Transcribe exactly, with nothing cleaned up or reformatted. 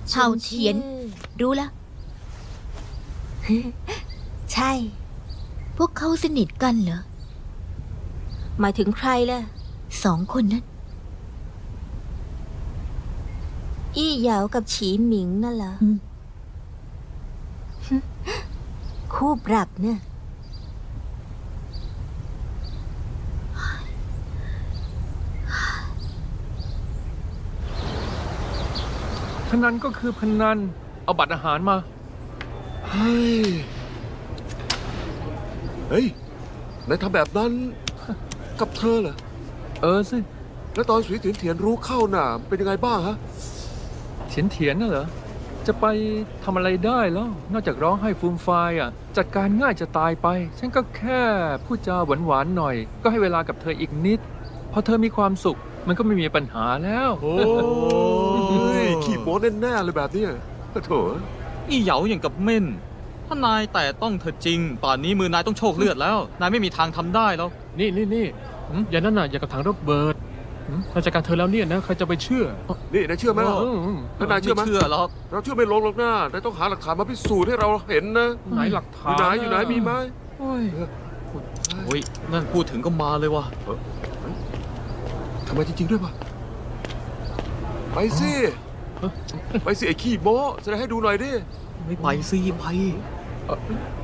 เฉาเฉียน รู้ละใช่พวกเขาสนิทกันเหรอหมายถึงใครล่ะสองคนนั้นอี้เหยากับฉีหมิงนั่นเหรออืมคู่ปรับเนี่ยพนันก็คือพนัน เอาบัตรอาหารมาเฮ้ย เฮ้ยนายทำแบบนั้น กับเธอเหรอเออสิแล้วตอนสุยเถียนเถียนรู้เข้าหน่าเป็นยังไงบ้างฮะเถียนเถียนน่ะเหรอ จะไปทำอะไรได้แล้ว นอกจากร้องให้ฟูมฟายอ่ะ จัดการง่ายจะตายไป ฉันก็แค่พูดจาหวานๆหน่อย ก็ให้เวลากับเธออีกนิด พอเธอมีความสุข มันก็ไม่มีปัญหาแล้วโอ้ยขี้โม้แน่ๆเลยแบบเนี้ยโถ่อี้เหยาอย่างกับเม่น ถ้านายแต่ต้องเธอจริง ป่านนี้มือนายต้องโชคเลือดแล้ว นายไม่มีทางทำได้แล้วนี่นี่นี่หืมอย่านั่นน่ะอย่ากับถังระเบิดหืมราชการเธอแล้วเนี่ยนะใครจะไปเชื่อนี่นายเชื่อไหมล่ะเอออืมแล้วนายเชื่อไหมไม่เชื่อหรอกเราเชื่อไม่ลงหรอกนะนายต้องหาหลักฐานมาพิสูจน์ให้เราเห็นนะไหนหลักอฐานยู่ไหนอยู่ไหนมีไหมโอ้ยโอ้ย นั่นพูดถึงก็มาเลยว่ะทำไมจริงๆด้วยปะไปสิ ไปสิไอ้ขี้โม้แสดงให้ดูหน่อยดิไม่ไปสิไปไ